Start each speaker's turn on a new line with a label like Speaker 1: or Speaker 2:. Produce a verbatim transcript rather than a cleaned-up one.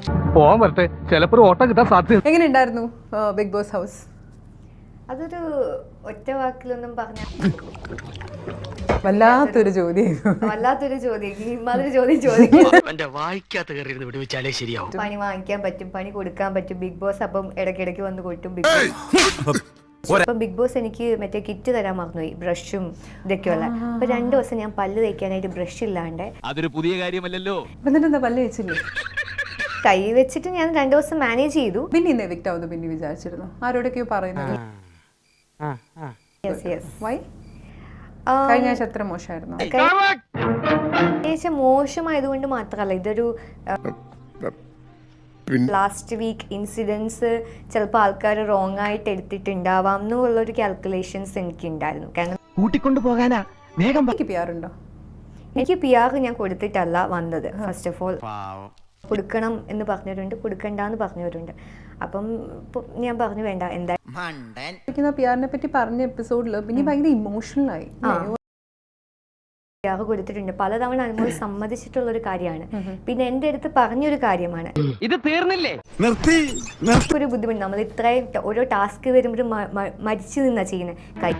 Speaker 1: പോവാൻ വരട്ടെ, ചിലപ്പോൾ ഓട്ടം കിട്ടാൻ സാധ്യത.
Speaker 2: എങ്ങനെ ഉണ്ടായിരുന്നു ബിഗ് ബോസ് ഹൗസ്?
Speaker 3: അതൊരു ഒറ്റ വാക്കിലൊന്നും പറഞ്ഞ
Speaker 2: വല്ലാത്തൊരു ചോദ്യം,
Speaker 3: വല്ലാത്തൊരു ചോദ്യം. ഇമാതിരി ചോദ്യം ചോദിക്കും. പണി വാങ്ങിക്കാൻ പറ്റും, പണി കൊടുക്കാൻ പറ്റും. ബിഗ് ബോസ് അപ്പം ഇടയ്ക്കിടയ്ക്ക് വന്ന് കൊട്ടും. ബിഗ് ബോസ് അപ്പം ബിഗ് ബോസ് എനിക്ക് മറ്റേ കിറ്റ് തരാൻ മറന്നുപോയി, ബ്രഷും ഇതൊക്കെയുള്ള. അപ്പൊ രണ്ടു ദിവസം ഞാൻ പല്ല് തേക്കാനായിട്ട് ബ്രഷ് ഇല്ലാണ്ട്.
Speaker 1: അതൊരു പുതിയ കാര്യമല്ലല്ലോ.
Speaker 2: എന്നിട്ട് എന്താ പല്ല് വെച്ചില്ലേ?
Speaker 3: കൈ വെച്ചിട്ട് ഞാൻ രണ്ടു ദിവസം മാനേജ് ചെയ്തു.
Speaker 2: പിന്നെ ഇന്ന് എവിക്റ്റ് ആവുന്നു പിന്നെ വിചാരിച്ചിരുന്നു, ആരോടൊക്കെയോ പറയുന്നത്. വൈ? കഴിഞ്ഞ ആഴ്ച അത്ര മോശമായിരുന്നു?
Speaker 3: കഴിഞ്ഞ മോശമായതുകൊണ്ട് മാത്രമല്ല, ഇതൊരു ലാസ്റ്റ് വീക്ക് ഇൻസിഡൻസ് ചിലപ്പോൾ ആൾക്കാർ റോങ് ആയിട്ട് എടുത്തിട്ടുണ്ടാവാം എന്നുള്ളൊരു കാൽക്കുലേഷൻസ് എനിക്ക് ഉണ്ടായിരുന്നു. കാരണം
Speaker 1: കൂട്ടിക്കൊണ്ടു പോകാനാ വേഗം.
Speaker 2: എനിക്ക് പി ആർ ഉണ്ടോ?
Speaker 3: എനിക്ക് പി ആർ ഞാൻ കൊടുത്തിട്ടല്ല വന്നത്. ഫസ്റ്റ് ഓഫ് ഓൾ കൊടുക്കണം എന്ന് പറഞ്ഞവരുണ്ട്, കൊടുക്കണ്ടെന്ന് പറഞ്ഞവരുണ്ട്. അപ്പം ഞാൻ പറഞ്ഞു വേണ്ട, എന്താ
Speaker 2: പി ആറിനെ പറ്റി പറഞ്ഞ എപ്പിസോഡിൽ പിന്നെ ഭയങ്കര ഇമോഷണൽ ആയി.
Speaker 3: പി ആർ കൊടുത്തിട്ടുണ്ട്, പലതവണ അനുഭവം സമ്മതിച്ചിട്ടുള്ള ഒരു കാര്യമാണ്. പിന്നെ എൻ്റെ അടുത്ത് പറഞ്ഞൊരു കാര്യമാണ്,
Speaker 1: ഇത് തീർന്നില്ലേ,
Speaker 3: ഒരു ബുദ്ധിമുട്ട്. നമ്മൾ ഇത്രയും ഓരോ ടാസ്ക് വരുമ്പോഴും മരിച്ചു നിന്നാ ചെയ്യുന്നത്. കൈ